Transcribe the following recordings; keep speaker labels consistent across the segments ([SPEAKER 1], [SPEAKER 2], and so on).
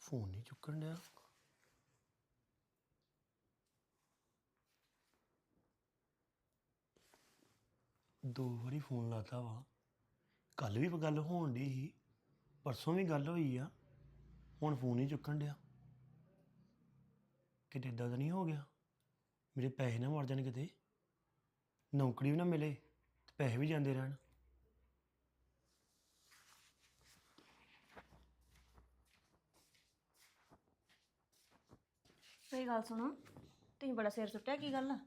[SPEAKER 1] Phone ਨਹੀਂ ਚੁੱਕਣ ਡਿਆ। ਦੋ ਵਾਰੀ ਫੋਨ ਲਾਤਾ ਵਾ। ਕੱਲ ਵੀ ਗੱਲ ਹੋਣ ਡਈ ਸੀ, ਪਰਸੋਂ ਵੀ ਗੱਲ ਹੋਈ ਆ, ਹੁਣ ਫੋਨ ਨਹੀਂ ਚੁੱਕਣ ਡਿਆ। ਕਿਤੇ ਇੱਦਾਂ ਤਾਂ ਨਹੀਂ ਹੋ ਗਿਆ ਮੇਰੇ ਪੈਸੇ ਨਾ ਮਰ ਜਾਣ, ਕਿਤੇ ਨੌਕਰੀ ਵੀ ਨਾ ਮਿਲੇ ਤੇ ਪੈਸੇ ਵੀ ਜਾਂਦੇ ਰਹਿਣ।
[SPEAKER 2] ਸਹੀ ਗੱਲ ਸੁਣੋ, ਤੁਸੀਂ ਬੜਾ ਸਿਰ ਸੁੱਟਿਆ, ਕੀ ਗੱਲ ਆ?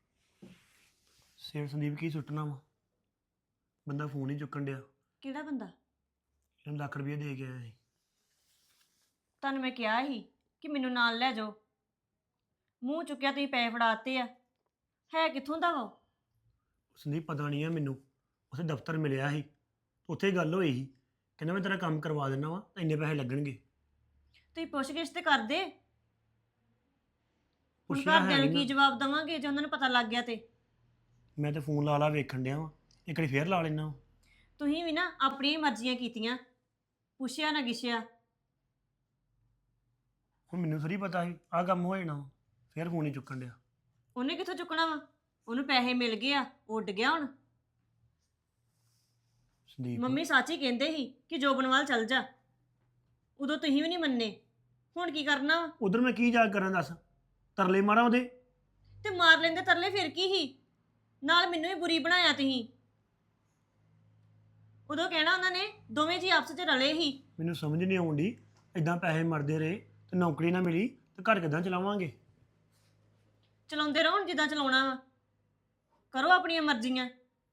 [SPEAKER 1] ਸਿਰ ਸੰਦੀਪ ਕੀ ਸੁੱਟਣਾ ਵਾ, ਬੰਦਾ ਫੋਨ ਹੀ ਚੁੱਕਣ ਡਿਆ।
[SPEAKER 2] ਕਿਹੜਾ ਬੰਦਾ?
[SPEAKER 1] ਇਹਨੂੰ ਲੱਖ ਰੁਪਏ ਦੇ ਕੇ ਆਇਆ ਸੀ।
[SPEAKER 2] ਤੁਹਾਨੂੰ ਮੈਂ ਕਿਹਾ ਸੀ ਕਿ ਮੈਨੂੰ ਨਾਲ ਲੈ ਜਾਓ, ਮੂੰਹ ਚੁੱਕਿਆ ਤੁਸੀਂ ਪੈਸੇ ਫੜਾਤੇ ਆ। ਹੈ ਕਿੱਥੋਂ ਦਾ ਵਾ ਉਹ?
[SPEAKER 1] ਸੰਦੀਪ ਪਤਾ ਨਹੀਂ ਆ ਮੈਨੂੰ, ਉਸੇ ਦਫ਼ਤਰ ਮਿਲਿਆ ਸੀ, ਉੱਥੇ ਗੱਲ ਹੋਈ ਸੀ, ਕਹਿੰਦਾ ਮੈਂ ਤੇਰਾ ਕੰਮ ਕਰਵਾ ਦਿੰਦਾ ਵਾ, ਇੰਨੇ ਪੈਸੇ ਲੱਗਣਗੇ।
[SPEAKER 2] ਤੁਸੀਂ ਪੁੱਛ-ਗਿੱਛ ਤੇ ਕਰਦੇ। ਹੁਣ
[SPEAKER 1] ਪੁੱਛਿਆ
[SPEAKER 2] ਘਰਦਿਆਂ
[SPEAKER 1] ਹੈ
[SPEAKER 2] ਨੂੰ
[SPEAKER 1] ਨੀ
[SPEAKER 2] ਕੀ
[SPEAKER 1] ਨਾ।
[SPEAKER 2] ਜਵਾਬ ਦੇਵਾਂਗੇ ਜੇ ਉਹਨਾਂ ਨੂੰ ਪਤਾ ਲੱਗ ਗਿਆ ਤੇ?
[SPEAKER 1] ਮੈਂ ਤਾਂ ਫੋਨ ਲਾ ਲਾ ਵੇਖਣ ਡਿਆ ਵਾ, ਇੱਕ ਵਾਰੀ ਫੇਰ ਲਾ ਲੈਣਾ।
[SPEAKER 2] ਤੁਸੀਂ ਵੀ ਨਾ ਆਪਣੀਆਂ ਹੀ ਮਰਜ਼ੀਆਂ ਕੀਤੀਆਂ, ਪੁੱਛਿਆ ਨਾ ਗਿੱਛਿਆ।
[SPEAKER 1] ਹੁਣ ਮੈਨੂੰ ਥੋੜੀ ਪਤਾ ਸੀ ਆਹ ਕੰਮ ਹੋ ਜਾਣਾ ਵਾ, ਫੇਰ ਫੋਨ ਨਹੀਂ ਚੁੱਕਣ ਡਿਆ।
[SPEAKER 2] ਉਹਨੇ ਕਿੱਥੋਂ ਚੁੱਕਣਾ ਵਾ? ਉਹਨੂੰ ਪੈਸੇ ਮਿਲ ਗਏ ਆ, ਉੱਡ ਗਿਆ ਹੁਣ।
[SPEAKER 1] ਸੰਦੀਪ
[SPEAKER 2] ਮੰਮੀ ਸੱਚ ਹੀ ਕਹਿੰਦੇ ਸੀ ਕਿ ਜੋਬਨਵਾਲ ਚੱਲ ਜਾ, ਉਦੋਂ ਤੁਸੀਂ ਵੀ ਨਹੀਂ ਮੰਨੇ। ਹੁਣ ਕੀ ਕਰਨਾ ਵਾ?
[SPEAKER 1] ਉਧਰ ਮੈਂ ਕੀ ਜਾ ਕੇ ਕਰਾਂ ਦੱਸ, ਤਰਲੇ ਮਾਰਾਂ ਉਹਦੇ?
[SPEAKER 2] ਤੇ ਮਾਰ ਲੈਂਦੇ ਤਰਲੇ, ਫਿਰ ਕੀ ਸੀ? ਨਾਲ ਮੈਨੂੰ ਵੀ ਬੁਰੀ ਬਣਾਇਆ ਤੁਸੀਂ। ਉਦੋਂ ਕਹਿਣਾ ਉਹਨਾਂ ਨੇ ਦੋਵੇਂ ਜੀ ਆਪਸ 'ਚ ਰਲੇ ਹੀ।
[SPEAKER 1] ਮੈਨੂੰ ਸਮਝ ਨਹੀਂ ਆਉਂਦੀ, ਇਦਾਂ ਪੈਸੇ ਮਰਦੇ ਰਹੇ ਤੇ ਨੌਕਰੀ ਨਾ ਮਿਲੀ ਤੇ ਘਰ ਕਿੱਦਾਂ ਚਲਾਵਾਂਗੇ?
[SPEAKER 2] ਚਲਾਉਂਦੇ ਰਹੋ ਹੁਣ ਜਿੱਦਾਂ ਚਲਾਉਣਾ ਵਾ, ਕਰੋ ਆਪਣੀਆਂ ਮਰਜ਼ੀਆਂ।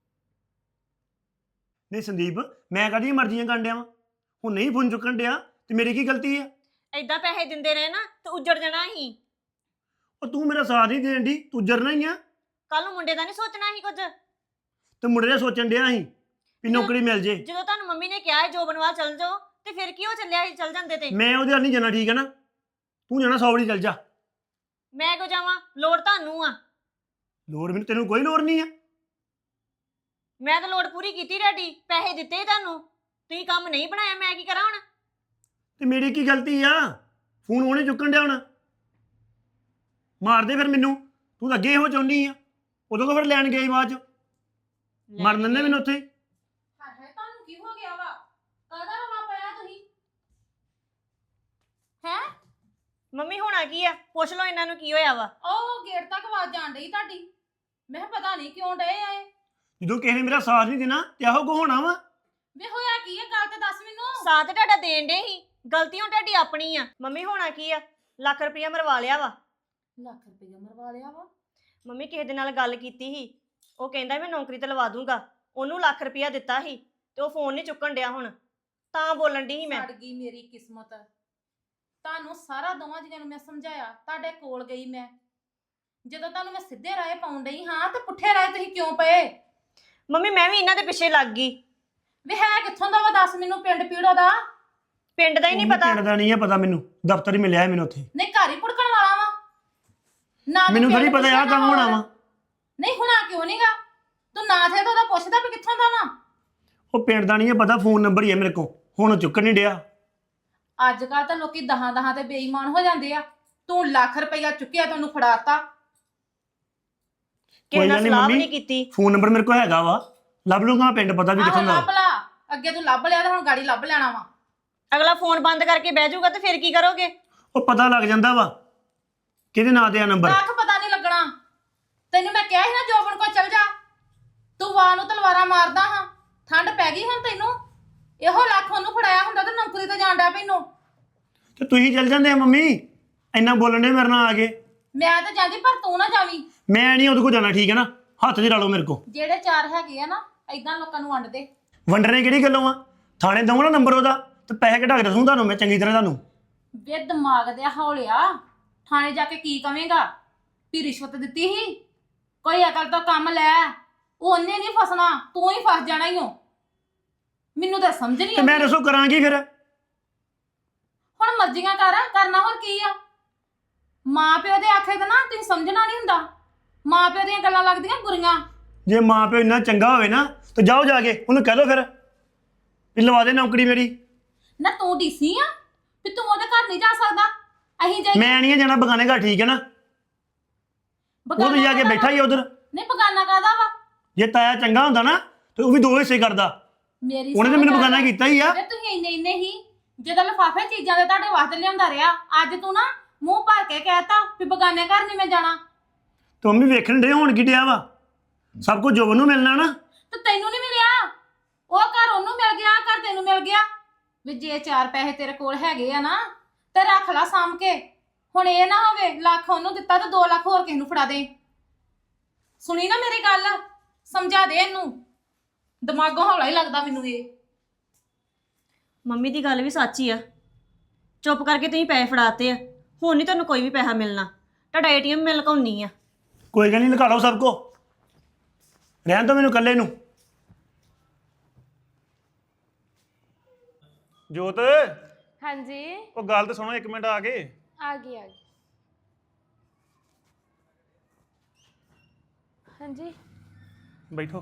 [SPEAKER 1] ਨਹੀਂ ਸੰਦੀਪ, ਮੈਂ ਕਾਹਦੀਆਂ ਮਰਜ਼ੀਆਂ ਕਰਨ ਡਿਆ ਵਾਂ? ਹੁਣ ਨਹੀਂ ਫੋਨ ਚੁੱਕਣ ਡਿਆ ਤੇ ਮੇਰੀ ਕੀ ਗਲਤੀ ਆ?
[SPEAKER 2] ਏਦਾਂ ਪੈਸੇ ਦਿੰਦੇ ਰਹੇ ਨਾ ਤੇ ਉੱਜੜ ਜਾਣਾ ਸੀ।
[SPEAKER 1] ਉਹ ਤੂੰ ਮੇਰਾ ਸਾਥ ਨਹੀਂ ਦੇਣ ਦੀ, ਤੂੰ ਜਰਨਾ ਹੀ ਆ।
[SPEAKER 2] ਕੱਲ ਨੂੰ ਮੁੰਡੇ ਦਾ ਨਹੀਂ ਸੋਚਣਾ ਸੀ ਕੁਝ?
[SPEAKER 1] ਤੇ ਮੁੰਡੇ ਦਾ ਸੋਚਣ ਡਿਆ ਸੀ ਵੀ ਨੌਕਰੀ ਮਿਲ ਜੇ।
[SPEAKER 2] ਜਦੋਂ ਤੁਹਾਨੂੰ ਮੰਮੀ ਨੇ ਕਿਹਾ ਹੈ ਜੋਬਨਵਾਲ ਚੱਲ ਜਾਓ, ਤੇ ਫਿਰ ਕੀ ਹੋ ਚੱਲਿਆ ਸੀ ਚੱਲ ਜਾਂਦੇ ਤੇ?
[SPEAKER 1] ਮੈਂ ਉਹਦੇ ਨਾਲ ਨਹੀਂ ਜਾਣਾ, ਠੀਕ ਹੈ ਨਾ? ਤੂੰ ਜਾਣਾ 100 ਵਾਰੀ ਚੱਲ ਜਾ।
[SPEAKER 2] ਮੈਂ ਕਿਉਂ ਜਾਵਾਂ? ਲੋੜ ਤੁਹਾਨੂੰ ਆ।
[SPEAKER 1] ਲੋੜ ਮੈਨੂੰ, ਤੈਨੂੰ ਕੋਈ ਲੋੜ ਨਹੀਂ ਆ।
[SPEAKER 2] ਮੈਂ ਤਾਂ ਲੋੜ ਪੂਰੀ ਕੀਤੀ ਤੁਹਾਡੀ, ਪੈਸੇ ਦਿੱਤੇ ਤੁਹਾਨੂੰ, ਤੁਸੀਂ ਕੰਮ ਨਹੀਂ ਬਣਾਇਆ, ਮੈਂ ਕੀ ਕਰਾਂ ਹੁਣ?
[SPEAKER 1] ਤੇ ਮੇਰੀ ਕੀ ਗਲਤੀ ਆ? ਫੋਨ ਉਹਨੇ ਚੁੱਕਣ ਡਿਆ ਹੁਣ, ਮਾਰ ਦੇ ਫਿਰ ਮੈਨੂੰ। ਤੂੰ ਤਾਂ ਅੱਗੇ ਇਹੋ ਚਾਹੁੰਦੀ ਆ, ਉਦੋਂ ਤੋਂ ਫਿਰ ਲੈਣ ਗਈ ਬਾਅਦ ਚ ਮਰ ਦਿੰਦੇ ਮੈਨੂੰ ਉੱਥੇ।
[SPEAKER 3] ਹਾਏ ਹਾਏ, ਤੁਹਾਨੂੰ ਕੀ ਹੋ ਗਿਆ ਵਾ? ਕਾਹਦਾ ਰੌਲਾ ਪਾਇਆ ਤੁਸੀਂ? ਹੈ
[SPEAKER 2] ਮੰਮੀ ਹੋਣਾ ਕੀ ਆ? ਪੁੱਛ ਲਓ ਇਹਨਾਂ ਨੂੰ ਕੀ ਹੋਇਆ ਵਾ।
[SPEAKER 3] ਉਹ ਗੇਟ ਤੱਕ ਆਵਾਜ਼ ਜਾਣ ਡਈ ਤੁਹਾਡੀ। ਮੈਂ ਕਿਹਾ ਪਤਾ ਨਹੀਂ ਕਿਉਂ ਡਏ ਆਏ।
[SPEAKER 1] ਜਦੋਂ ਕਿਸੇ ਨੇ ਮੇਰਾ ਸਾਥ ਨਹੀਂ ਦੇਣਾ ਤੇ ਆਹੋ ਕੋ ਹੋਣਾ ਵਾ।
[SPEAKER 3] ਵੇ ਹੋਇਆ ਕੀ ਹੈ, ਗੱਲ ਤੇ ਦੱਸ ਮੈਨੂੰ।
[SPEAKER 2] ਸਾਥ ਤੁਹਾਡਾ ਦੇਣ ਦੇ ਹੀ, ਗਲਤੀ ਹੁਣ ਤੁਹਾਡੀ ਆਪਣੀ ਆ। ਮੰਮੀ ਹੋਣਾ ਕੀ ਆ? ਲੱਖ ਰੁਪਇਆ ਮਰਵਾ ਲਿਆ ਵਾ।
[SPEAKER 3] ਲੱਖ ਰੁਪਏ ਮਰਵਾ ਲਿਆ ਵਾ?
[SPEAKER 2] ਮੰਮੀ ਕਿਸੇ ਦੇ ਨਾਲ ਗੱਲ ਕੀਤੀ ਸੀ, ਉਹ ਕਹਿੰਦਾ ਮੈਂ ਨੌਕਰੀ ਤੇ ਲਵਾ ਦੂੰਗਾ, ਉਹਨੂੰ ਲੱਖ ਰੁਪਇਆ ਦਿੱਤਾ ਸੀ ਤੇ ਉਹ ਫੋਨ ਨਹੀਂ ਚੁੱਕਣ ਡਿਆ ਹੁਣ, ਤਾਂ ਬੋਲਣ ਦੀ ਸੀ ਮੈਂ।
[SPEAKER 3] ਸੜ ਗਈ ਮੇਰੀ ਕਿਸਮਤ। ਤੁਹਾਨੂੰ ਸਾਰਾ ਦੋਵਾਂ ਜੀਆਂ ਨੂੰ ਮੈਂ ਸਮਝਾਇਆ, ਤੁਹਾਡੇ ਕੋਲ ਗਈ ਮੈਂ। ਜਦੋਂ ਤੁਹਾਨੂੰ ਮੈਂ ਸਿੱਧੇ ਰਾਹ ਪਾਉਣ ਡਈ ਹਾਂ ਤੇ ਪੁੱਠੇ ਰਾਹ ਤੁਸੀਂ ਕਿਉਂ ਪਏ?
[SPEAKER 2] ਮੰਮੀ ਮੈਂ ਵੀ ਇਹਨਾਂ ਦੇ ਪਿੱਛੇ ਲੱਗ ਗਈ।
[SPEAKER 3] ਵੇ ਹੈ ਕਿੱਥੋਂ ਦਾ ਵਾ ਦੱਸ ਮੈਨੂੰ, ਪਿੰਡ ਪੀੜੋ ਦਾ?
[SPEAKER 2] ਪਿੰਡ ਦਾ ਹੀ ਨਹੀਂ ਪਤਾ।
[SPEAKER 1] ਪਿੰਡ ਦਾ ਨਹੀਂ ਹੈ ਪਤਾ ਮੈਨੂੰ, ਦਫ਼ਤਰ ਹੀ ਮਿਲਿਆ ਮੈਨੂੰ ਉੱਥੇ।
[SPEAKER 3] ਨਹੀਂ ਘਰ ਹੀ ਪੁੜਕਣ ਵਾਲਾ ਵਾ ਨਾ? ਤੂੰ
[SPEAKER 1] ਮੈਨੂੰ ਥੋੜੀ
[SPEAKER 3] ਪਿੰਡ
[SPEAKER 1] ਪਤਾ ਆ
[SPEAKER 3] ਪੁੱਛਿਆ
[SPEAKER 1] ਕੰਮ ਹੋਣਾ
[SPEAKER 3] ਨਾ
[SPEAKER 1] ਵਾ।
[SPEAKER 3] ਨਹੀਂ ਹੁਣਾ ਕਿਉਂ ਨਹੀਂਗਾ? ਤੂੰ ਨਾ ਥੇ ਤਾਂ ਉਹਦਾ ਪੁੱਛਦਾ ਵੀ ਕਿੱਥੋਂ ਦਾ ਵਾ?
[SPEAKER 1] ਉਹ ਪਿੰਡ ਦਾ ਨਹੀਂ ਹੈ ਪਤਾ, ਫੋਨ ਨੰਬਰ ਹੀ ਹੈ ਮੇਰੇ ਕੋਲ, ਹੁਣ ਉਹ ਚੁੱਕਣ ਨਹੀਂ ਡਿਆ।
[SPEAKER 3] ਅੱਜ ਕੱਲ ਤਾਂ ਲੋਕੀ ਦਹਾਂ ਤੇ ਬੇਈਮਾਨ ਹੋ ਜਾਂਦੇ ਆ। ਤੂੰ ਲੱਖ ਰੁਪਇਆ ਚੁੱਕਿਆ, ਤੈਨੂੰ ਫੜਾਤਾ।
[SPEAKER 2] ਕਿਸੇ ਨਾਲ
[SPEAKER 1] ਗੱਲ ਨੀ
[SPEAKER 2] ਸਲਾਹ ਵੀ
[SPEAKER 1] ਮੰਮੀ,
[SPEAKER 2] ਨਹੀਂ ਕੀਤੀ।
[SPEAKER 1] ਫੋਨ ਨੰਬਰ ਮੇਰੇ ਕੋਲ ਹੈਗਾ ਵਾ, ਲੱਭ ਲੂੰਗਾ ਪਿੰਡ, ਪਤਾ ਵੀ
[SPEAKER 3] ਆਹੋ
[SPEAKER 1] ਕਿੱਥੋਂ ਦਾ।
[SPEAKER 3] ਲੱਭ ਲਾ, ਅੱਗੇ ਤੂੰ ਲੱਭ ਲਿਆ ਤਾਂ ਹੁਣ ਗਾੜੀ ਲੱਭ ਲੈਣਾ ਵਾ।
[SPEAKER 2] ਅਗਲਾ ਫੋਨ ਬੰਦ ਕਰਕੇ ਬਹਿ ਜਾਊਗਾ ਤੇ ਫਿਰ ਕੀ ਕਰੋਗੇ?
[SPEAKER 1] ਉਹ ਪਤਾ ਲੱਗ ਜਾਂਦਾ ਵਾ ਕਿਹਦੇ ਨਾਂ ਤੇ ਆ ਨੰਬਰ।
[SPEAKER 3] ਕੱਖ ਪਤਾ ਨਹੀਂ ਲੱਗਣਾ। ਤੈਨੂੰ ਮੈਂ ਕਿਹਾ ਸੀ ਨਾ ਜੋਬਨ ਕੋਲ ਚਲ ਜਾ, ਤੂੰ ਵਾਹ ਨੂੰ ਤਲਵਾਰਾਂ ਮਾਰਦਾ ਹਾਂ। ਠੰਡ ਪੈ ਗਈ ਹੁਣ ਤੈਨੂੰ। ਇਹੋ ਲੱਖ ਉਹਨੂੰ ਫੜਾਇਆ ਹੁੰਦਾ ਤੇ ਨੌਕਰੀ ਤੇ ਜਾਣ ਡਿਆ ਪੈਨੂੰ।
[SPEAKER 1] ਤੇ ਤੁਸੀਂ ਚੱਲ ਜਾਂਦੇ ਆ ਮੰਮੀ, ਇੰਨਾ ਬੋਲਣ ਦੇ ਮੇਰੇ ਨਾਲ ਆ ਕੇ।
[SPEAKER 3] ਮੈਂ ਤਾਂ ਜਾਂਦੀ ਪਰ ਤੂੰ ਨਾ ਜਾਵੀਂ।
[SPEAKER 1] ਮੈਂ ਨਹੀਂ ਉਹਦੇ ਕੋਲ ਜਾਣਾ, ਠੀਕ ਹੈ ਨਾ? ਹੱਥ 'ਚ ਲਾ ਲਓ ਮੇਰੇ ਕੋਲ।
[SPEAKER 3] ਜਿਹੜੇ ਚਾਰ ਹੈਗੇ ਆ ਨਾ, ਏਦਾਂ ਲੋਕਾਂ ਨੂੰ ਵੰਡ ਦੇ।
[SPEAKER 1] ਵੰਡਣੇ ਕਿਹੜੀ ਗੱਲੋਂ ਆ? ਥਾਣੇ ਦਊਂ ਨਾ ਨੰਬਰ ਉਹਦਾ ਤੇ ਪੈਸੇ ਕਢਾ ਕੇ ਦੱਸੂ ਤੁਹਾਨੂੰ ਮੈਂ ਚੰਗੀ ਤਰ੍ਹਾਂ ਤੁਹਾਨੂੰ।
[SPEAKER 3] ਵੇ ਦਿਮਾਗ ਦੇ ਹੌਲਿਆ, ਥਾਣੇ ਜਾ ਕੇ ਕੀ ਕਵੇਂਗਾ? ਵੀ ਰਿਸ਼ਵਤ ਦਿੱਤੀ ਸੀ? ਕੋਈ ਅਕਲ ਤੋਂ ਕੰਮ ਲੈ। ਉਹਨੇ ਨਹੀਂ ਫਸਣਾ, ਤੂੰ ਹੀ ਫਸ ਜਾਣਾ ਈ ਓ। ਮੈਨੂੰ ਤਾਂ ਸਮਝ ਨਹੀਂ
[SPEAKER 1] ਤੇ ਮੈਂ ਦੱਸੋ ਕਰਾਂਗੀ ਫਿਰ?
[SPEAKER 3] ਹੁਣ ਮਰਜ਼ੀਆਂ ਕਰਨਾ ਹੋਰ ਕੀ ਆ? ਮਾਂ ਪਿਓ ਦੇ ਆਖੇ ਤਾਂ ਨਾ ਤੁਸੀਂ ਸਮਝਣਾ ਨਹੀਂ ਹੁੰਦਾ। ਮਾਂ ਪਿਓ ਦੀਆਂ ਗੱਲਾਂ ਲੱਗਦੀਆਂ ਬੁਰੀਆਂ।
[SPEAKER 1] ਜੇ ਮਾਂ ਪਿਓ ਇੰਨਾ ਚੰਗਾ ਹੋਵੇ ਨਾ ਤਾਂ ਜਾਓ ਜਾ ਕੇ ਉਹਨੂੰ ਕਹਿ ਲਓ ਫਿਰ ਵੀ ਲਵਾ ਦੇ ਨੌਕਰੀ ਮੇਰੀ।
[SPEAKER 3] ਨਾ ਤੂੰ ਡੀਸੀ ਆ ਵੀ ਤੂੰ ਉਹਦੇ ਘਰ ਨਹੀਂ ਜਾ ਸਕਦਾ। ਅਸੀਂ ਜਾਈਏ
[SPEAKER 1] ਮੈਂ ਨਹੀਂ ਜਾਣਾ ਬਗਾਨੇ ਘਰ, ਠੀਕ ਹੈ ਨਾ? ਉਹ ਤੇ ਜਾ ਕੇ
[SPEAKER 3] ਕਾਹਦਾ
[SPEAKER 1] ਬੈਠਾ ਹੀ ਉਧਰ।
[SPEAKER 3] ਨਹੀਂ ਬਗਾਨਾ ਕਾਦਾ ਵਾ?
[SPEAKER 1] ਜੇ ਤਾਇਆ ਚੰਗਾ ਹੁੰਦਾ ਨਾ ਤੇ ਉਹ ਵੀ 2 ਹਿੱਸੇ ਕਰਦਾ।
[SPEAKER 3] ਮੇਰੀ
[SPEAKER 1] ਉਹਨੇ ਤੇ
[SPEAKER 3] ਸੁਣ
[SPEAKER 1] ਮੈਨੂੰ
[SPEAKER 3] ਗੱਲ।
[SPEAKER 1] ਬਗਾਨਾ ਕੀਤਾ ਹੀ ਆ।
[SPEAKER 3] ਵੇ ਤੁਸੀਂ ਇੰਨੇ ਹੀ ਜਦੋਂ ਲਿਫਾਫੇ ਚੀਜ਼ਾਂ ਦੇ ਤੁਹਾਡੇ ਵਾਸਤੇ ਲਿਆਉਂਦਾ ਰਿਹਾ, ਅੱਜ ਤੂੰ ਨਾ ਮੂੰਹ ਭਰ ਕੇ ਕਹਿਤਾ ਵੀ ਬਗਾਨੇ ਘਰ ਨਹੀਂ ਮੈਂ ਜਾਣਾ।
[SPEAKER 1] ਤੇ ਮੰਮੀ ਵੇਖਣ ਦੇ ਹੋਣ ਕੀ ਡਿਆ ਵਾ? ਸਭ ਕੁਝ ਜੋਬਨ ਨੂੰ ਮਿਲਣਾ ਨਾ।
[SPEAKER 3] ਤੇ ਤੈਨੂੰ ਨਹੀਂ ਮਿਲਿਆ, ਉਹ ਘਰ ਉਹਨੂੰ ਮਿਲ ਗਿਆ, ਆਹ ਘਰ ਤੈਨੂੰ ਮਿਲ ਗਿਆ। ਵੀ ਜੇ 4 ਪੈਸੇ ਤੇਰੇ ਕੋਲ ਹੈਗੇ ਆ ਨਾ ਤੇ ਰੱਖ ਲਾ ਸਾਂਭ ਕੇ। ਹੁਣ ਇਹ ਨਾ ਹੋਵੇ ਲੱਖ ਉਹਨੂੰ ਦਿੱਤਾ ਤੇ 2 ਲੱਖ ਹੋਰ ਕਿਸੇ ਨੂੰ ਫੜਾ ਦੇ। ਸੁਣੀ ਨਾ ਮੇਰੀ ਗੱਲ, ਸਮਝਾ ਦੇ ਇਹਨੂੰ। ਦਿਮਾਗੋਂ ਹੌਲਾ ਹੀ ਲੱਗਦਾ ਮੈਨੂੰ ਇਹ।
[SPEAKER 2] ਮੰਮੀ ਦੀ ਗੱਲ ਵੀ ਸੱਚ ਹੀ ਆ। ਚੁੱਪ ਕਰਕੇ ਤੁਸੀਂ ਪੈਸੇ ਫੜਾਤੇ ਆ, ਹੁਣ ਨਹੀਂ ਤੁਹਾਨੂੰ ਕੋਈ ਵੀ ਪੈਸਾ ਮਿਲਣਾ। ਤੁਹਾਡਾ ਏਟੀਐਮ ਮਿਲ ਕਾਉਣੀ ਆ।
[SPEAKER 1] ਕੋਈ ਗੱਲ ਨਹੀਂ, ਲਗਾ ਲਓ ਸਭ ਕੋ, ਰਹਿਣ ਦੋ ਮੈਨੂੰ ਇਕੱਲੇ ਨੂੰ। ਜੋਤ,
[SPEAKER 4] ਹਾਂਜੀ
[SPEAKER 1] ਉਹ ਗੱਲ ਤਾਂ ਸੁਣੋ 1 ਮਿੰਟ ਆ ਕੇ।
[SPEAKER 4] ਆ ਗਈ ਹਾਂਜੀ
[SPEAKER 1] ਬੈਠੋ।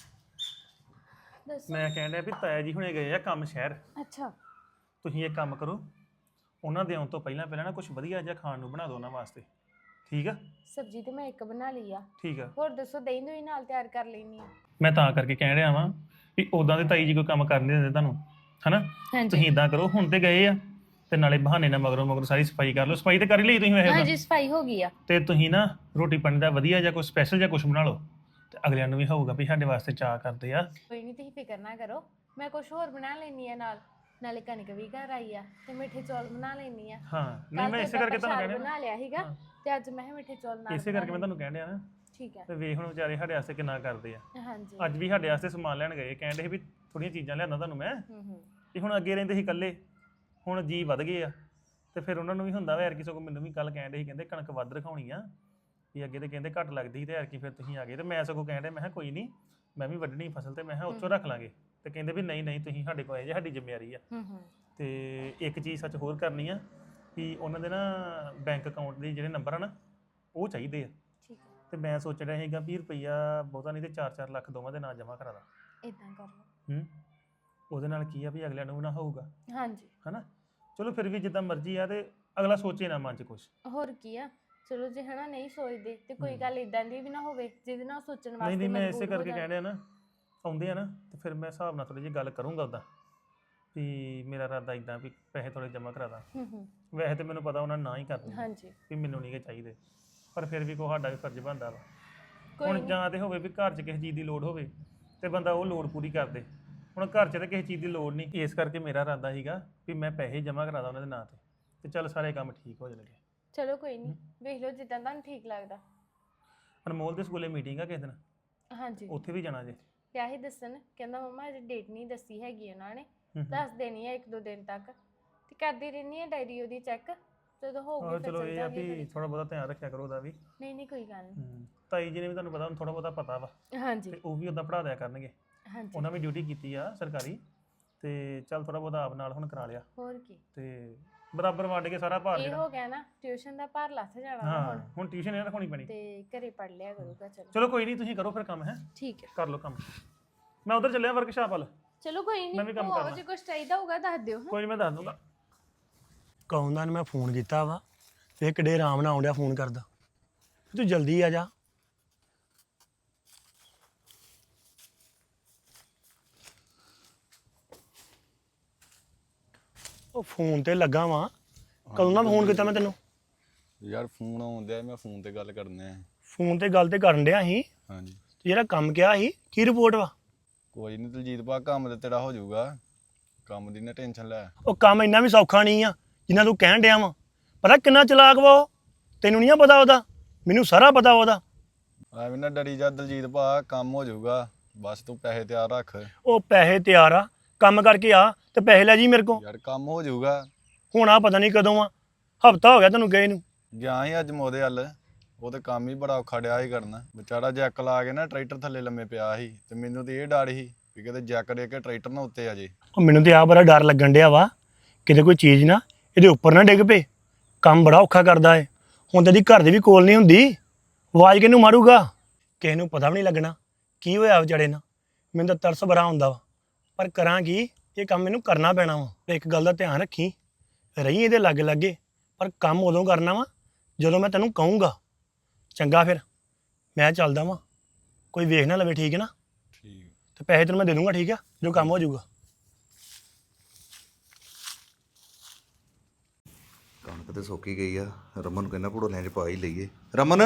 [SPEAKER 4] ਦੱਸੋ।
[SPEAKER 1] ਮੈਂ ਕਹਿਣ ਡਿਆ ਵੀ ਤਾਇਆ ਜੀ ਹੁਣੇ ਗਏ ਆ ਕੰਮ ਸ਼ਹਿਰ।
[SPEAKER 4] ਅੱਛਾ
[SPEAKER 1] ਤੁਸੀਂ ਇੱਕ ਕੰਮ ਕਰੋ, ਉਹਨਾਂ ਦੇ ਆਉਣ ਤੋਂ ਪਹਿਲਾਂ ਨਾ ਕੁਝ ਵਧੀਆ ਜਿਹਾ ਖਾਣ ਨੂੰ ਬਣਾ ਦਿਓ ਉਹਨਾਂ ਵਾਸਤੇ, ਠੀਕ ਆ?
[SPEAKER 4] ਸਬਜ਼ੀ ਤੇ ਮੈਂ ਇੱਕ ਬਣਾ ਲਈ ਆ,
[SPEAKER 1] ਠੀਕ ਆ।
[SPEAKER 4] ਹੋਰ ਦੱਸੋ ਦਹੀਂ ਦੂਈ ਨਾਲ ਤਿਆਰ ਕਰ ਲੈਣੀ ਆ।
[SPEAKER 1] ਮੈਂ ਤਾਂ ਕਰਕੇ ਕਹਿ ਰਿਹਾ ਵਾਂ ਵੀ ਉਦਾਂ ਦੇ ਤਾਈ ਜੀ ਕੋਈ ਕੰਮ ਕਰਨ ਨਹੀਂ ਦਿੰਦੇ ਤੁਹਾਨੂੰ, ਹਨਾ? ਤੁਸੀਂ ਇਦਾਂ ਕਰੋ, ਹੁਣ ਤੇ ਗਏ ਆ ਤੇ ਨਾਲੇ ਬਹਾਨੇ ਨਾਲ ਮਗਰੋਂ ਸਾਰੀ ਸਫਾਈ ਕਰ ਲਓ। ਸਫਾਈ ਤੇ ਕਰ ਹੀ ਲਈ ਤੁਸੀਂ ਵੈਸੇ
[SPEAKER 4] ਹਾਂਜੀ ਸਫਾਈ ਹੋ ਗਈ ਆ।
[SPEAKER 1] ਤੇ ਤੁਸੀਂ ਨਾ ਰੋਟੀ ਪਾਣੀ ਦਾ ਵਧੀਆ ਜਾਂ ਕੋਈ ਸਪੈਸ਼ਲ ਜਾਂ ਕੁਝ ਬਣਾ ਲਓ ਤੇ ਅਗਲਿਆਂ ਨੂੰ ਵੀ ਹੋਊਗਾ ਵੀ ਸਾਡੇ ਵਾਸਤੇ ਚਾਹ ਕਰਦੇ ਆ।
[SPEAKER 4] ਕੋਈ ਨਹੀਂ ਤੁਸੀਂ ਫਿਕਰ ਨਾ ਕਰੋ, ਮੈਂ ਕੁਝ ਹੋਰ ਬਣਾ ਲੈਣੀ ਆ ਨਾਲ। ਨਾਲੇ ਕਣਕ ਵੀ ਘਰ ਆਈ ਆ ਤੇ ਮਿੱਠੇ ਚੌਲ ਬਣਾ ਲੈਣੀ ਆ।
[SPEAKER 1] ਹਾਂ ਨਹੀਂ ਮੈਂ ਇਸੇ ਕਰਕੇ ਤੁਹਾਨੂੰ ਕਹਿ
[SPEAKER 4] ਬਣਾ ਲਿਆ ਸੀਗਾ ਤੇ ਅੱਜ ਮੈਂ ਮਿੱਠੇ ਚੌਲ ਨਾਲ
[SPEAKER 1] ਇਸੇ ਕਰਕੇ ਮੈਂ ਤੁਹਾਨੂੰ ਕਹਿਣ ਡਿਆ ਨਾ।
[SPEAKER 4] ਠੀਕ ਹੈ।
[SPEAKER 1] ਤੇ ਵੇਖ ਹੁਣ ਵਿਚਾਰੇ ਸਾਡੇ ਵਾਸਤੇ ਕਿੰਨਾ ਕਰਦੇ ਆ।
[SPEAKER 4] ਹਾਂਜੀ
[SPEAKER 1] ਅੱਜ ਵੀ ਸਾਡੇ ਵਾਸਤੇ ਸਮਾਨ ਲੈਣ ਗਏ, ਕਹਿੰਦੇ ਸੀ ਵੀ ਥੋੜੀਆਂ ਚੀਜ਼ਾਂ ਲਿਆਂਦਾ ਤੁਹਾਨੂੰ ਮੈਂ। ਤੇ ਹੁਣ ਅੱਗੇ ਰਹਿੰਦੇ ਸੀ ਇਕੱਲੇ, ਹੁਣ ਜੀ ਵੱਧ ਗਏ ਆ ਤੇ ਫਿਰ ਉਹਨਾਂ ਨੂੰ ਵੀ ਹੁੰਦਾ ਵਾ ਯਾਰ ਕਿਸੇ ਕੋ। ਮੈਨੂੰ ਵੀ ਕੱਲ ਕਹਿੰਦੇ ਸੀ, ਕਹਿੰਦੇ ਕਣਕ ਵੱਧ ਰਖਾਉਣੀ ਆ ਵੀ ਅੱਗੇ ਤੇ ਕਹਿੰਦੇ ਘੱਟ ਲੱਗਦੀ ਸੀ ਤੇ ਯਾਰ ਕੀ ਫਿਰ ਤੁਸੀਂ ਆ ਗਏ। ਤੇ ਮੈਂ ਸਗੋਂ ਕਹਿੰਦੇ ਮੈਂ ਕਿਹਾ ਕੋਈ ਨਹੀਂ, ਮੈਂ ਵੀ ਵੱਢਣੀ ਫਸਲ ਤੇ ਮੈਂ ਕਿਹਾ ਉੱਥੋਂ ਰੱਖ ਲਾਂਗੇ। ਤੇ ਕਹਿੰਦੇ ਵੀ ਨਹੀਂ ਨਹੀਂ ਤੁਸੀਂ ਸਾਡੇ ਕੋਲ ਆਏ ਜੇ, ਸਾਡੀ ਜ਼ਿੰਮੇਵਾਰੀ ਆ। ਤੇ ਇੱਕ ਚੀਜ਼ ਸੱਚ ਹੋਰ ਕਰਨੀ ਆ ਕਿ ਉਹਨਾਂ ਦੇ ਨਾ ਬੈਂਕ ਅਕਾਊਂਟ ਦੇ ਜਿਹੜੇ ਨੰਬਰ ਆ ਨਾ ਉਹ ਚਾਹੀਦੇ ਆ।
[SPEAKER 4] ਠੀਕ ਹੈ।
[SPEAKER 1] ਤੇ ਮੈਂ ਸੋਚ ਰਿਹਾ ਸੀਗਾ 20 ਰੁਪਈਆ ਬਹੁਤਾ ਨਹੀਂ ਤੇ 4-4 ਲੱਖ ਦੋਵਾਂ ਦੇ ਨਾਂ ਜਮ੍ਹਾਂ ਕਰਾ ਦਾਂ।
[SPEAKER 4] ਇਦਾਂ ਕਰ ਲਓ।
[SPEAKER 1] ਉਹਦੇ ਨਾਲ ਕੀ ਆ ਵੀ ਅਗਲਿਆਂ ਨੂੰ ਵੀ ਨਾ ਹੋਊਗਾ,
[SPEAKER 4] ਹਾਂਜੀ
[SPEAKER 1] ਹਨਾ? ਚਲੋ ਫਿਰ ਵੀ ਜਿੱਦਾਂ ਮਰਜ਼ੀ ਆ ਤੇ ਅਗਲਾ ਸੋਚੇ ਨਾ ਮਨ 'ਚ ਕੁਛ।
[SPEAKER 4] ਹੋਰ ਕੀ ਆ, ਚਲੋ ਜੇ ਹਨਾ ਨਹੀਂ ਸੋਚਦੇ ਤੇ ਕੋਈ ਗੱਲ ਇਦਾਂ ਦੀ ਵੀ ਨਾ ਹੋਵੇ ਜਿਹਦੇ ਨਾਲ ਸੋਚਣ ਵਾਸਤੇ
[SPEAKER 1] ਨਹੀਂ ਮੈਂ ਇਸੇ
[SPEAKER 4] ਮਜਬੂਰ ਹੋ
[SPEAKER 1] ਕਰਕੇ
[SPEAKER 4] ਜਾਣ।
[SPEAKER 1] ਕਹਿ ਰਿਹਾ ਨਾ, ਆਉਂਦੇ ਆ ਨਾ ਤੇ ਫਿਰ ਮੈਂ ਹਿਸਾਬ ਨਾਲ ਥੋੜੀ ਜਿਹੀ ਗੱਲ ਕਰੂੰਗਾ ਉੱਦਾਂ ਵੀ ਮੇਰਾ ਇਰਾਦਾ ਇਦਾਂ ਵੀ ਪੈਸੇ ਥੋੜੇ ਜਮ੍ਹਾਂ ਕਰਾ ਦਾਂ। ਵੈਸੇ ਤੇ ਮੈਨੂੰ ਪਤਾ ਉਹਨਾਂ ਨੇ ਨਾ ਹੀ ਕਰਨੀ
[SPEAKER 4] ਹਾਂਜੀ
[SPEAKER 1] ਵੀ ਮੈਨੂੰ ਨਹੀਂ ਗੇ ਚਾਹੀਦੇ, ਪਰ ਫਿਰ ਵੀ ਸਾਡਾ ਵੀ ਫਰਜ਼ ਬਣਦਾ ਵਾ।
[SPEAKER 4] ਕੋਈ
[SPEAKER 1] ਹੁਣ ਜਾਂ ਤੇ ਹੋਵੇ ਵੀ ਘਰ 'ਚ ਕਿਸੇ ਚੀਜ਼ ਦੀ ਲੋੜ ਹੋਵੇ ਤੇ ਬੰਦਾ ਉਹ ਲੋੜ ਪੂਰੀ ਕਰ ਦੇ। ਹੁਣ ਘਰ 'ਚ ਤਾਂ ਕਿਸੇ ਚੀਜ਼ ਦੀ ਲੋੜ ਨਹੀਂ, ਇਸ ਕਰਕੇ ਮੇਰਾ ਇਰਾਦਾ ਸੀਗਾ ਵੀ ਮੈਂ ਪੈਸੇ ਜਮ੍ਹਾਂ ਕਰਾ ਦਾਂ ਉਹਨਾਂ ਦੇ ਨਾਂ ਤੇ ਚੱਲ ਸਾਰੇ ਕੰਮ ਠੀਕ ਹੋ ਜਾਣਗੇ।
[SPEAKER 4] ਚਲੋ ਕੋਈ ਨਹੀਂ, ਵੇਖ ਲਓ ਜਿੱਦਾਂ ਤੁਹਾਨੂੰ ਠੀਕ ਲੱਗਦਾ।
[SPEAKER 1] ਅਨਮੋਲ ਦੇ ਸਕੂਲੇ ਮੀਟਿੰਗ ਆ ਕਿਸੇ ਦਿਨ,
[SPEAKER 4] ਹਾਂਜੀ
[SPEAKER 1] ਉੱਥੇ ਵੀ ਜਾਣਾ ਜੇ।
[SPEAKER 4] ਪਿਆ ਹੀ ਦੱਸਣ, ਕਹਿੰਦਾ ਮੰਮਾ ਅਜੇ ਡੇਟ ਨਹੀਂ ਦੱਸੀ ਹੈਗੀ ਉਹਨਾਂ ਨੇ, ਦੱਸ ਦੇਣੀ ਆ 1-2 ਦਿਨ ਤੱਕ। ਤੇ ਕਰਦੀ ਰਹਿੰਦੀ ਆ ਡਾਇਰੀ ਉਹਦੀ ਚੈੱਕ, ਜਦੋਂ ਹੋਊਗੀ ਫਿਰ
[SPEAKER 1] ਚਲੋ
[SPEAKER 4] ਚੱਲ
[SPEAKER 1] ਇਹ ਆ
[SPEAKER 4] ਜਾਵਾਂਗੇ
[SPEAKER 1] ਵੀ
[SPEAKER 4] ਘਰੇ।
[SPEAKER 1] ਥੋੜਾ ਬਹੁਤਾ ਧਿਆਨ ਰੱਖਿਆ ਕਰੋ ਉਹਦਾ ਵੀ।
[SPEAKER 4] ਨਹੀਂ ਕੋਈ ਗੱਲ ਨਹੀਂ।
[SPEAKER 1] ਤਾਈ ਜੀ ਨੇ ਵੀ ਤੁਹਾਨੂੰ ਪਤਾ ਹੁਣ ਥੋੜਾ ਬਹੁਤਾ ਪਤਾ ਵਾ
[SPEAKER 4] ਹਾਂਜੀ
[SPEAKER 1] ਤੇ ਉਹ ਵੀ ਉਦਾਂ ਪੜ੍ਹਾ ਦਿਆ ਕਰਨਗੇ।
[SPEAKER 4] ਹਾਂਜੀ
[SPEAKER 1] ਉਹਨਾਂ ਵੀ ਡਿਊਟੀ ਕੀਤੀ ਆ ਸਰਕਾਰੀ, ਤੇ ਚੱਲ ਥੋੜਾ ਬਹੁਤਾ ਆਪ ਨਾਲ ਹੁਣ ਕਰਾ ਲਿਆ
[SPEAKER 4] ਹੋਰ ਕੀ,
[SPEAKER 1] ਤੇ ਬਰਾਬਰ ਵੰਡ ਕੇ ਸਾਰਾ ਭਾਰ
[SPEAKER 4] ਇਹ
[SPEAKER 1] ਜਿਹੜਾ।
[SPEAKER 4] ਹੋ ਗਿਆ ਨਾ ਟਿਊਸ਼ਨ ਦਾ ਭਾਰ ਲੱਥ ਜਾਣਾ ਵਾ
[SPEAKER 1] ਹਾਂ
[SPEAKER 4] ਹੁਣ,
[SPEAKER 1] ਹੁਣ ਟਿਊਸ਼ਨ ਇਹ ਰਖਾਉਣੀ ਪੈਣੀ।
[SPEAKER 4] ਤੇ ਘਰੇ ਪੜ ਲਿਆ ਕਰੂਗਾ। ਚਲੋ
[SPEAKER 1] ਚਲੋ ਕੋਈ ਨਹੀਂ, ਤੁਸੀਂ ਕਰੋ ਫਿਰ ਕੰਮ, ਹੈ
[SPEAKER 4] ਠੀਕ ਹੈ।
[SPEAKER 1] ਕਰ ਲਓ ਕੰਮ। ਮੈਂ ਉਧਰ ਚੱਲਿਆ ਵਰਕਸ਼ਾਪ ਵੱਲ।
[SPEAKER 4] ਚਲੋ ਕੋਈ
[SPEAKER 1] ਮੈਂ ਵੀ
[SPEAKER 4] ਨਹੀਂ,
[SPEAKER 1] ਕੰਮ
[SPEAKER 4] ਉਹ
[SPEAKER 1] ਕਰਨਾ।
[SPEAKER 4] ਜੇ ਕੁਝ ਚਾਹੀਦਾ ਹੋਊਗਾ ਦੱਸ ਦਿਓ।
[SPEAKER 1] ਕੋਈ ਨਹੀਂ ਮੈਂ ਦੱਸ ਦੂੰਗਾ। ਕੌਂਦਾ ਨੇ ਮੈਂ ਫੋਨ ਕੀਤਾ ਵਾ ਤੇ ਕਿਡੇ ਆਰਾਮ ਨਾਲ ਆਉਂਦਿਆ ਫੋਨ ਕਰਦਾ, ਤੂੰ ਜਲਦੀ ਆ ਜਾ। ਉਹ ਫੋਨ ਤੇ ਲੱਗਾ ਵਾਂ, ਕਦੋਂ ਨਾ ਫੋਨ ਕੀਤਾ ਮੈਂ ਤੈਨੂੰ?
[SPEAKER 5] ਯਾਰ ਫੋਨ ਆਉਂਦਿਆ, ਮੈਂ ਫੋਨ ਤੇ ਗੱਲ ਕਰਨੇ ਆ।
[SPEAKER 1] ਫੋਨ ਤੇ ਗੱਲ ਤੇ ਕਰਨ ਡਿਆ ਸੀ।
[SPEAKER 5] ਹਾਂਜੀ
[SPEAKER 1] ਤੇ ਜਿਹੜਾ ਕੰਮ ਕਿਹਾ ਸੀ ਕੀ ਰਿਪੋਰਟ ਵਾ?
[SPEAKER 5] ਕੋਈ ਨਹੀਂ ਦਲਜੀਤ ਭਾ, ਕੰਮ ਤੇ ਤੇਰਾ ਹੋ ਜਾਊਗਾ, ਕੰਮ ਦੀ ਨਾ ਟੈਨਸ਼ਨ ਲੈ।
[SPEAKER 1] ਉਹ ਕੰਮ ਇੰਨਾ ਵੀ ਸੌਖਾ ਨਹੀਂ ਆ ਜਿੰਨਾ ਤੂੰ ਕਹਿਣ ਡਿਆ ਵਾ। ਪਤਾ ਕਿੰਨਾ ਚਲਾਕ ਵਾ ਉਹ, ਤੈਨੂੰ ਨਹੀਂ ਪਤਾ ਉਹਦਾ? ਮੈਨੂੰ ਸਾਰਾ ਪਤਾ ਉਹਦਾ।
[SPEAKER 5] ਐਵੇਂ ਨਾ ਡਰੀ ਜਾ ਦਲਜੀਤ ਭਾ, ਕੰਮ ਹੋ ਜਾਊਗਾ, ਬਸ ਤੂੰ ਪੈਸੇ ਤਿਆਰ ਰੱਖ।
[SPEAKER 1] ਉਹ ਪੈਸੇ ਤਿਆਰ ਆ, ਕੰਮ ਕਰਕੇ ਆ ਤੇ ਪੈਸੇ ਲੈ ਜੀ ਮੇਰੇ ਕੋਲ।
[SPEAKER 5] ਯਾਰ ਕੰਮ ਹੋ ਜਾਊਗਾ।
[SPEAKER 1] ਹੁਣ ਆ ਪਤਾ ਨਹੀਂ ਕਦੋਂ ਆ, ਹਫਤਾ ਹੋ ਗਿਆ ਤੈਨੂੰ ਗਏ ਨੂੰ।
[SPEAKER 5] ਗਿਆ ਹੀ ਅੱਜ ਮੋਦੇ ਹੱਲ, ਉਹ ਤੇ ਕੰਮ ਹੀ ਬੜਾ ਔਖਾ ਡਿਆ ਸੀ ਕਰਨਾ। ਵਿਚਾਰਾ ਜੈਕ ਲਾ ਕੇ ਨਾ ਟਰੈਕਟਰ ਥੱਲੇ ਲੰਮੇ ਪਿਆ ਸੀ, ਤੇ ਮੈਨੂੰ ਤੇ ਇਹ ਡਰ ਸੀ ਵੀ ਕਿਤੇ ਜੈਕ ਦੇ ਕੇ ਟਰੈਕਟਰ ਨਾ ਉੱਤੇ ਆ ਜੇ।
[SPEAKER 1] ਉਹ ਮੈਨੂੰ ਤੇ ਆ ਬੜਾ ਡਰ ਲੱਗਣ ਡਿਆ ਵਾ, ਕਿਤੇ ਕੋਈ ਚੀਜ਼ ਨਾ ਇਹਦੇ ਉੱਪਰ ਨਾ ਡਿੱਗ ਪਏ। ਕੰਮ ਬੜਾ ਔਖਾ ਕਰਦਾ ਏ। ਹੁਣ ਤੇ ਦੀ ਘਰ ਦੇ ਵੀ ਕੋਲ ਨਹੀਂ ਹੁੰਦੀ, ਆਵਾਜ਼ ਕਿਹਨੂੰ ਮਾਰੂਗਾ? ਕਿਸੇ ਨੂੰ ਪਤਾ ਵੀ ਨਹੀਂ ਲੱਗਣਾ ਕੀ ਹੋਇਆ ਵਿਚਾਰੇ ਨਾਲ। ਮੈਨੂੰ ਤਾਂ ਤਰਸ ਬੜਾ ਆਉਂਦਾ ਵਾ, ਪਰ ਕਰਾਂ ਕੀ, ਇਹ ਕੰਮ ਮੈਨੂੰ ਕਰਨਾ ਪੈਣਾ ਵਾ। ਤੇ ਇੱਕ ਗੱਲ ਦਾ ਧਿਆਨ ਰੱਖੀ, ਤੇ ਰਹੀ ਇਹਦੇ ਲਾਗੇ ਲਾਗੇ, ਪਰ ਕੰਮ ਉਦੋਂ ਕਰਨਾ ਵਾ ਜਦੋਂ ਮੈਂ ਤੈਨੂੰ ਕਹੂੰਗਾ। ਚੰਗਾ ਫਿਰ ਮੈਂ ਚੱਲਦਾ ਵਾਂ, ਕੋਈ ਵੇਖ ਨਾ ਲਵੇ, ਠੀਕ ਹੈ ਨਾ?
[SPEAKER 5] ਠੀਕ।
[SPEAKER 1] ਤੇ ਪੈਸੇ ਤੈਨੂੰ ਮੈਂ ਦੇ ਦੂੰਗਾ, ਠੀਕ ਆ, ਜੋ ਕੰਮ ਹੋ ਜਾਊਗਾ।
[SPEAKER 6] ਕਣਕ ਤੇ ਸੁੱਕ ਹੀ ਗਈ ਆ। ਰਮਨ ਨੂੰ ਕਹਿੰਦਾ ਭੜੋਲਿਆਂ 'ਚ ਪਾ ਹੀ ਲਈਏ। ਰਮਨ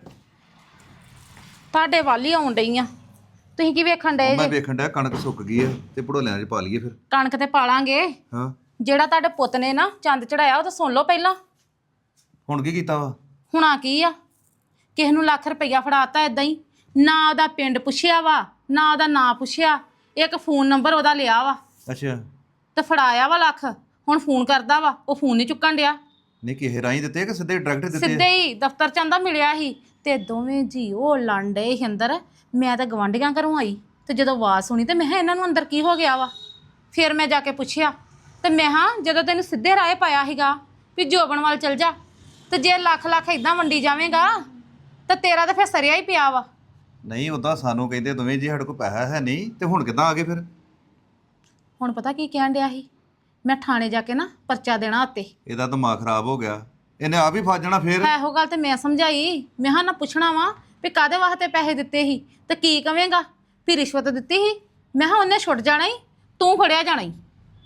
[SPEAKER 3] ਤੁਹਾਡੇ ਵੱਲ ਹੀ ਆਉਣ ਡਈ ਆ, ਤੁਸੀਂ ਕੀ ਵੇਖਣ ਡਏ
[SPEAKER 6] ਮੈਂ
[SPEAKER 3] ਜੇ?
[SPEAKER 6] ਵੇਖਣ ਡਿਆ ਕਣਕ ਸੁੱਕ ਗਈ ਆ ਤੇ ਭੜੋਲਿਆਂ 'ਚ ਪਾ ਲਈਏ ਫਿਰ।
[SPEAKER 3] ਕਣਕ ਤੇ ਪਾਲਾਂਗੇ।
[SPEAKER 6] ਹਾਂ,
[SPEAKER 3] ਜਿਹੜਾ ਤੁਹਾਡੇ ਪੁੱਤ ਨੇ ਨਾ ਚੰਦ ਚੜਾਇਆ ਉਹ ਤਾਂ ਸੁਣ ਲਓ ਪਹਿਲਾਂ।
[SPEAKER 6] ਹੁਣ ਕੀ ਕੀਤਾ ਵਾ?
[SPEAKER 3] ਹੁਣਾ ਕੀ ਆ, ਕਿਸੇ ਨੂੰ ਲੱਖ ਰੁਪਈਆ ਫੜਾਤਾ ਏਦਾਂ ਹੀ, ਨਾ ਉਹਦਾ ਪਿੰਡ ਪੁੱਛਿਆ ਵਾ, ਨਾ ਉਹਦਾ ਨਾਂ ਪੁੱਛਿਆ, ਇੱਕ ਫੋਨ ਨੰਬਰ ਉਹਦਾ ਲਿਆ ਵਾ
[SPEAKER 6] ਅੱਛਾ,
[SPEAKER 3] ਤੇ ਫੜਾਇਆ ਵਾ ਲੱਖ। ਹੁਣ ਫੋਨ ਕਰਦਾ ਵਾ, ਉਹ ਫੋਨ ਨਹੀਂ ਚੁੱਕਣ ਡਿਆ।
[SPEAKER 6] ਨਹੀਂ ਕਿਸੇ ਰਾਹੀਂ ਦਿੱਤੇ ਕਿ ਸਿੱਧੇ ਡਾਇਰੈਕਟ ਦਿੱਤੇ?
[SPEAKER 3] ਸਿੱਧੇ ਹੀ ਦਫ਼ਤਰ ਚ ਆਂਦਾ ਮਿਲਿਆ ਸੀ ਤੇ ਦੋਵੇਂ ਜੀ ਉਹ ਲੜਨ ਡਏ ਸੀ ਅੰਦਰ। ਮੈਂ ਤਾਂ ਗਵਾਂਢੀਆਂ ਘਰੋਂ ਆਈ ਤੇ ਜਦੋਂ ਆਵਾਜ਼ ਸੁਣੀ ਤੇ ਮੈਂ ਕਿਹਾ ਇਹਨਾਂ ਨੂੰ ਅੰਦਰ ਕੀ ਹੋ ਗਿਆ ਵਾ। ਫਿਰ ਮੈਂ ਜਾ ਕੇ ਪੁੱਛਿਆ ਤੇ ਮੈਂ ਹਾਂ ਜਦੋਂ ਤੈਨੂੰ ਸਿੱਧੇ ਰਾਹ ਪਾਇਆ ਸੀਗਾ ਵੀ ਜੋਬਨ ਵੱਲ ਚਲ ਜਾ, ਤੇ ਜੇ ਲੱਖ ਲੱਖ ਇਦਾਂ ਵੰਡੀ ਜਾਵੇਂਗਾ ਤਾਂ ਤੇਰਾ ਤਾਂ ਫਿਰ ਸਰਿਆ ਹੀ ਪਿਆ ਵਾ।
[SPEAKER 6] ਨਹੀਂ ਉਦਾਂ ਸਾਨੂੰ ਕਹਿੰਦੇ ਦੋਵੇਂ ਜੀ ਸਾਡੇ ਕੋਲ ਪੈਸਾ ਹੈ ਨਹੀਂ, ਤੇ ਹੁਣ ਕਿੱਦਾਂ ਆ ਗਏ ਫਿਰ?
[SPEAKER 3] ਹੁਣ ਪਤਾ ਕੀ ਕਹਿਣ ਡਿਆ ਸੀ, ਮੈਂ ਥਾਣੇ ਜਾ ਕੇ ਨਾ ਪਰਚਾ ਦੇਣਾ ਉੱਤੇ।
[SPEAKER 6] ਇਹਦਾ ਦਿਮਾਗ ਖਰਾਬ ਹੋ ਗਿਆ, ਇਹਨੇ ਆਪ ਹੀ ਫਸ ਜਾਣਾ ਫਿਰ।
[SPEAKER 3] ਇਹੋ ਗੱਲ ਤੇ ਮੈਂ ਸਮਝਾਈ, ਮੈਂ ਹਾਂ ਨਾ ਪੁੱਛਣਾ ਵਾ ਵੀ ਕਾਦੇ ਵਾਸਤੇ ਪੈਸੇ ਦਿੱਤੇ ਸੀ ਤੇ ਕੀ ਕਵੇਂਗਾ ਵੀ ਰਿਸ਼ਵਤ ਦਿੱਤੀ ਸੀ। ਮੈਂ ਹਾਂ ਉਹਨੇ ਛੁੱਟ ਜਾਣਾ ਹੀ, ਤੂੰ ਫੜਿਆ ਜਾਣਾ ਹੀ।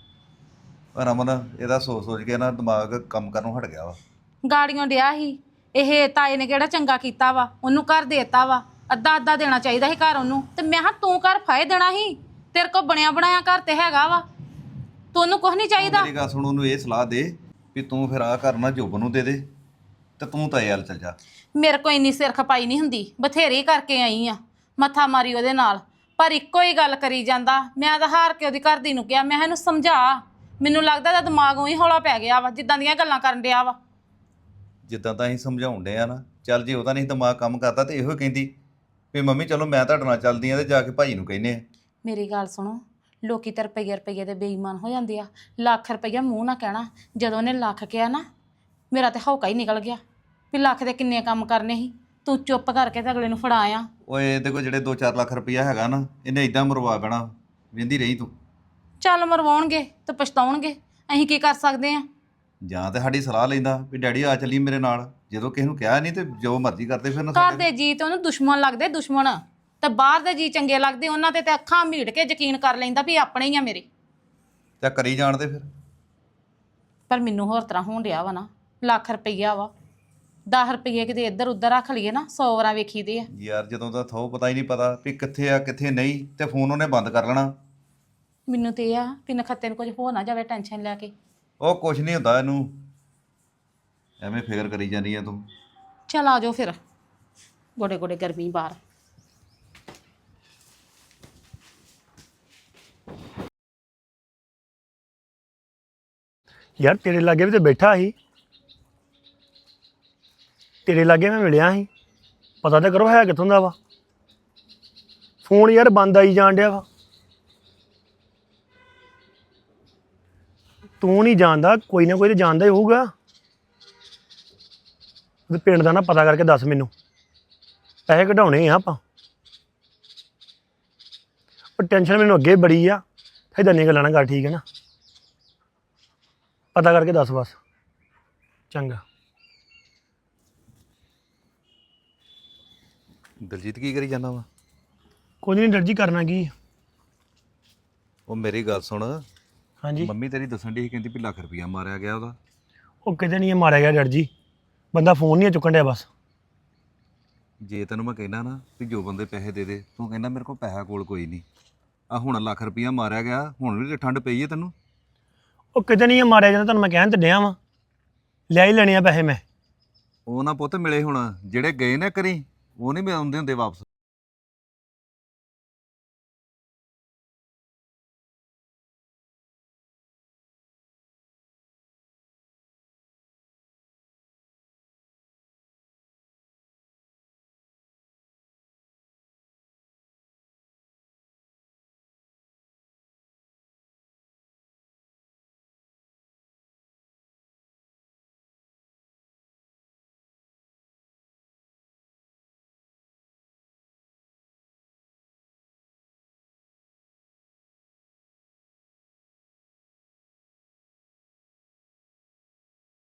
[SPEAKER 6] ਰਮਨ ਇਹਦਾ ਸੋਚ ਸੋਚ ਕੇ ਨਾ ਦਿਮਾਗ ਕੰਮ ਕਰਨੋਂ ਹਟ ਗਿਆ ਵਾ।
[SPEAKER 3] ਗਾੜੀਆਂ ਡਿਆ ਸੀ ਇਹ, ਤਾਏ ਨੇ ਕਿਹੜਾ ਚੰਗਾ ਕੀਤਾ ਵਾ, ਉਹਨੂੰ ਘਰ ਦੇਤਾ ਵਾ, ਅੱਧਾ ਅੱਧਾ ਦੇਣਾ ਚਾਹੀਦਾ ਸੀ ਘਰ ਉਹਨੂੰ। ਤੇ ਮੈਂ ਹਾਂ ਤੂੰ ਘਰ ਫਾਇ ਦੇਣਾ ਸੀ, ਤੇਰੇ ਕੋਲ ਬਣਿਆ ਬਣਾਇਆ ਘਰ ਤੇ ਹੈਗਾ ਵਾ, ਤੁਹਾਨੂੰ ਕੁਝ ਨਹੀਂ ਚਾਹੀਦਾ।
[SPEAKER 6] ਮੇਰੀ ਗੱਲ ਸੁਣ, ਉਹਨੂੰ ਇਹ ਸਲਾਹ ਦੇ ਵੀ ਤੂੰ ਫਿਰ ਆਹ ਕਰਨਾ ਜੋਬਨ ਨੂੰ ਦੇ ਦੇ ਤੇ ਤੂੰ ਤਾਂ ਇਹ ਹਾਲ ਚੱਲ ਜਾ।
[SPEAKER 3] ਮੇਰੇ ਕੋਲ ਇੰਨੀ ਸਿਰ ਖਪਾਈ ਨਹੀਂ ਹੁੰਦੀ, ਬਥੇਰੀ ਕਰਕੇ ਆਈ ਆ, ਮੱਥਾ ਮਾਰੀ ਉਹਦੇ ਨਾਲ, ਪਰ ਇੱਕੋ ਹੀ ਗੱਲ ਕਰੀ ਜਾਂਦਾ। ਮੈਂ ਤਾਂ ਹਾਰ ਕੇ ਉਹਦੀ ਘਰਦੀ ਨੂੰ ਕਿਹਾ, ਮੈਂ ਇਹਨੂੰ ਸਮਝਾ, ਮੈਨੂੰ ਲੱਗਦਾ ਇਹਦਾ ਦਿਮਾਗ ਉਹੀ ਹੌਲਾ ਪੈ ਗਿਆ ਵਾ ਜਿੱਦਾਂ ਦੀਆਂ ਗੱਲਾਂ ਕਰਨ ਡਿਆ ਵਾ।
[SPEAKER 6] ਜਿੱਦਾਂ ਤਾਂ ਅਸੀਂ ਸਮਝਾਉਣ ਡਏ ਆ ਨਾ, ਚੱਲ ਜੇ ਉਹਦਾ ਨਹੀਂ ਦਿਮਾਗ ਕੰਮ ਕਰਦਾ ਤੇ ਇਹੋ ਕਹਿੰਦੀ ਵੀ ਮੰਮੀ ਚਲੋ ਮੈਂ ਤੁਹਾਡੇ ਨਾਲ ਚੱਲਦੀ ਆ ਤੇ ਜਾ ਕੇ ਭਾਈ ਨੂੰ ਕਹਿੰਦੇ ਆ।
[SPEAKER 3] ਮੇਰੀ ਗੱਲ ਸੁਣੋ, ਲੋਕੀ ਤਾਂ ਰੁਪਈਏ ਦੇ ਬੇਈਮਾਨ ਹੋ ਜਾਂਦੇ ਆ। ਲੱਖ ਰੁਪਈਆ ਮੂੰਹ ਨਾ ਕਹਿਣਾ, ਜਦੋਂ ਉਹਨੇ ਲੱਖ ਕਿਹਾ ਨਾ ਮੇਰਾ ਤੇ ਹੌਕਾ ਹੀ ਨਿਕਲ ਗਿਆ ਵੀ ਲੱਖ ਦੇ ਕਿੰਨੇ ਕੰਮ ਕਰਨੇ ਸੀ। ਤੂੰ ਚੁੱਪ ਕਰਕੇ ਤੇ ਅਗਲੇ ਨੂੰ ਫੜਾਇਆ।
[SPEAKER 6] ਓਏ ਇਹਦੇ ਕੋਲ ਜਿਹੜੇ 2-4 ਲੱਖ ਰੁਪਈਆ ਹੈਗਾ ਨਾ, ਇਹਨੇ ਇਦਾਂ ਮਰਵਾ ਬੈਣਾ, ਵੇਂਦੀ ਰਹੀ ਤੂੰ।
[SPEAKER 3] ਚੱਲ ਮਰਵਾਉਣਗੇ ਤੇ ਪਛਤਾਉਣਗੇ, ਅਸੀਂ ਕੀ ਕਰ ਸਕਦੇ ਆ।
[SPEAKER 6] ਜਾਂ ਤੇ ਸਾਡੀ ਸਲਾਹ ਲੈਂਦਾ ਵੀ ਡੈਡੀ ਆ ਚੱਲੀ ਮੇਰੇ ਨਾਲ, ਜਦੋਂ ਕਿਸੇ ਨੂੰ ਕਿਹਾ ਨਹੀਂ ਤੇ ਜੋ ਮਰਜ਼ੀ ਕਰਦੇ ਫਿਰ ਨਾ
[SPEAKER 3] ਘਰ ਦੇ ਜੀ ਤੇ ਉਹਨੂੰ ਦੁਸ਼ਮਣ ਲੱਗਦੇ, ਦੁਸ਼ਮਣ, ਤੇ ਬਾਹਰ ਦੇ ਜੀ ਚੰਗੇ ਲੱਗਦੇ, ਉਹਨਾਂ ਤੇ ਅੱਖਾਂ ਮੀਟ ਕੇ ਯਕੀਨ ਕਰ ਲੈਂਦਾ ਵੀ ਆਪਣੇ ਹੀ ਆ ਮੇਰੇ।
[SPEAKER 6] ਤੇ ਕਰੀ ਜਾਣਦੇ ਫਿਰ।
[SPEAKER 3] ਪਰ ਮੈਨੂੰ ਹੋਰ ਤਰ੍ਹਾਂ ਹੋਣ ਡਿਆ ਵਾ ਨਾ, ਲੱਖ ਰੁਪਈਆ ਵਾ, 10 ਰੁਪਈਏ ਕਿਤੇ ਇੱਧਰ ਉੱਧਰ ਰੱਖ ਲਈਏ ਨਾ 100 ਵਾਰਾਂ ਵੇਖੀਦੇ ਆ।
[SPEAKER 6] ਯਾਰ ਜਦੋਂ ਦਾ ਥੋ ਪਤਾ ਹੀ ਨਹੀਂ ਪਤਾ ਵੀ ਕਿੱਥੇ ਆ ਕਿੱਥੇ ਨਹੀਂ, ਤੇ ਫੋਨ ਉਹਨੇ ਬੰਦ ਕਰ ਲੈਣਾ।
[SPEAKER 3] ਮੈਨੂੰ ਤੇ ਇਹ ਆ ਵੀ ਨਖੱਤੇ ਨੂੰ ਕੁਝ ਹੋ ਨਾ ਜਾਵੇ ਟੈਨਸ਼ਨ ਲੈ ਕੇ।
[SPEAKER 6] ਉਹ ਕੁਛ ਨਹੀਂ ਹੁੰਦਾ ਇਹਨੂੰ, ਐਵੇਂ ਫਿਕਰ ਕਰੀ ਜਾਂਦੀ ਆ ਤੂੰ।
[SPEAKER 3] ਚੱਲ ਆ ਜਾਓ ਫਿਰ, ਗੋਡੇ ਗੋਡੇ ਗਰਮੀ ਬਾਹਰ।
[SPEAKER 1] ਯਾਰ ਤੇਰੇ ਲਾਗੇ ਵੀ ਤੇ ਬੈਠਾ ਸੀ, ਤੇਰੇ ਲਾਗੇ ਮੈਂ ਮਿਲਿਆ ਸੀ, ਪਤਾ ਤਾਂ ਕਰੋ ਹੈ ਕਿੱਥੋਂ ਦਾ ਵਾ। ਫੋਨ ਯਾਰ ਬੰਦ ਆਈ ਜਾਣ ਡਿਆ ਵਾ। ਤੂੰ ਨਹੀਂ ਜਾਣਦਾ, ਕੋਈ ਨਾ ਕੋਈ ਤਾਂ ਜਾਣਦਾ ਹੀ ਹੋਊਗਾ। ਉਹਦੇ ਪਿੰਡ ਦਾ ਨਾ ਪਤਾ ਕਰਕੇ ਦੱਸ ਮੈਨੂੰ, ਪੈਸੇ ਕਢਾਉਣੇ ਆ ਆਪਾਂ। ਪਰ ਟੈਨਸ਼ਨ ਮੈਨੂੰ ਅੱਗੇ ਬੜੀ ਆ, ਇੱਦਾਂ ਦੀਆਂ ਗੱਲਾਂ ਨਾ ਕਰ, ਠੀਕ ਹੈ ਨਾ? ਪਤਾ ਕਰਕੇ ਦੱਸ ਬਸ, ਚੰਗਾ।
[SPEAKER 6] ਦਲਜੀਤ ਕੀ ਕਰੀ ਜਾਂਦਾ ਵਾ?
[SPEAKER 1] ਕੁਝ ਨਹੀਂ ਡਰ ਜੀ, ਕਰਨਾ ਕੀ?
[SPEAKER 6] ਉਹ ਮੇਰੀ ਗੱਲ ਸੁਣ,
[SPEAKER 1] ਹਾਂਜੀ।
[SPEAKER 6] ਮੰਮੀ ਤੇਰੀ ਦੱਸਣ ਦੀ ਕਹਿੰਦੀ ਵੀ ਲੱਖ ਰੁਪਈਆ ਮਾਰਿਆ ਗਿਆ ਉਹਦਾ।
[SPEAKER 1] ਉਹ ਕਿਤੇ ਨਹੀਂ ਮਾਰਿਆ ਗਿਆ ਡਰ ਜੀ, ਬੰਦਾ ਫੋਨ ਨਹੀਂ ਚੁੱਕਣ ਡਿਆ ਬਸ।
[SPEAKER 6] ਜੇ ਤੈਨੂੰ ਮੈਂ ਕਹਿਣਾ ਨਾ ਵੀ ਜੋ ਬੰਦੇ ਪੈਸੇ ਦੇ ਦੇ, ਤੂੰ ਕਹਿੰਦਾ ਮੇਰੇ ਕੋਲ ਪੈਸਾ ਕੋਲ ਕੋਈ ਨਹੀਂ। ਆ ਹੁਣ ਲੱਖ ਰੁਪਈਆ ਮਾਰਿਆ ਗਿਆ, ਹੁਣ ਵੀ ਠੰਡ ਪਈ ਹੈ ਤੈਨੂੰ।
[SPEAKER 1] ਉਹ ਕਿਤੇ ਨਹੀਂ ਮਾਰਿਆ ਜਾਂਦਾ, ਤੁਹਾਨੂੰ ਮੈਂ ਕਹਿਣ ਤੇ ਡਿਆ ਵਾਂ, ਲੈ ਹੀ ਲੈਣੇ ਆ ਪੈਸੇ ਮੈਂ।
[SPEAKER 6] ਉਹ ਨਾ ਪੁੱਤ ਮਿਲੇ ਹੁਣ, ਜਿਹੜੇ ਗਏ ਨਾ ਕਰੀ ਉਹ ਨਹੀਂ ਆਉਂਦੇ ਹੁੰਦੇ ਵਾਪਸ।